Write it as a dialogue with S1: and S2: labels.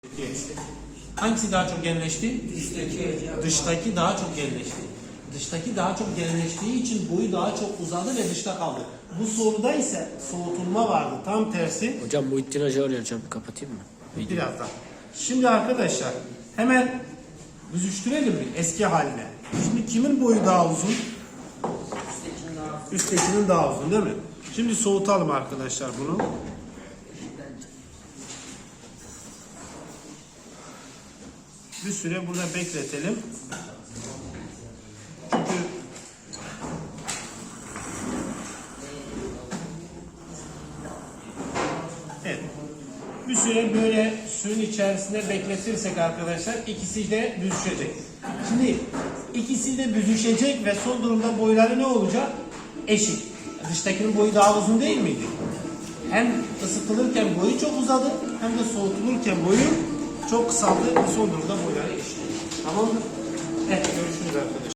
S1: Hangisi daha çok genleşti?
S2: Dıştaki.
S1: Dıştaki daha çok genleşti. Dıştaki daha çok genleştiği için boyu daha çok uzadı ve dışta kaldı. Bu soruda ise soğutulma vardı. Tam tersi.
S3: Hocam Muhittin Hoca arıyor hocam. Kapatayım mı?
S1: Birazdan. Şimdi arkadaşlar hemen büzüştürelim mi eski haline? Şimdi kimin boyu daha uzun? Üsttekinin daha uzun değil mi? Şimdi soğutalım arkadaşlar bunu. Bir süre burada bekletelim. Çünkü evet. Bir süre böyle suyun içerisinde bekletirsek arkadaşlar ikisi de büzüşecek. Şimdi ikisi de büzüşecek ve son durumda boyları ne olacak? Eşit. Dıştakinin boyu daha uzun değil miydi? Hem ısıtılırken boyu çok uzadı hem de soğutulurken boyu çok kısaldı ve son durumda boyları eşit. Tamam mı? Evet, görüşürüz arkadaşlar.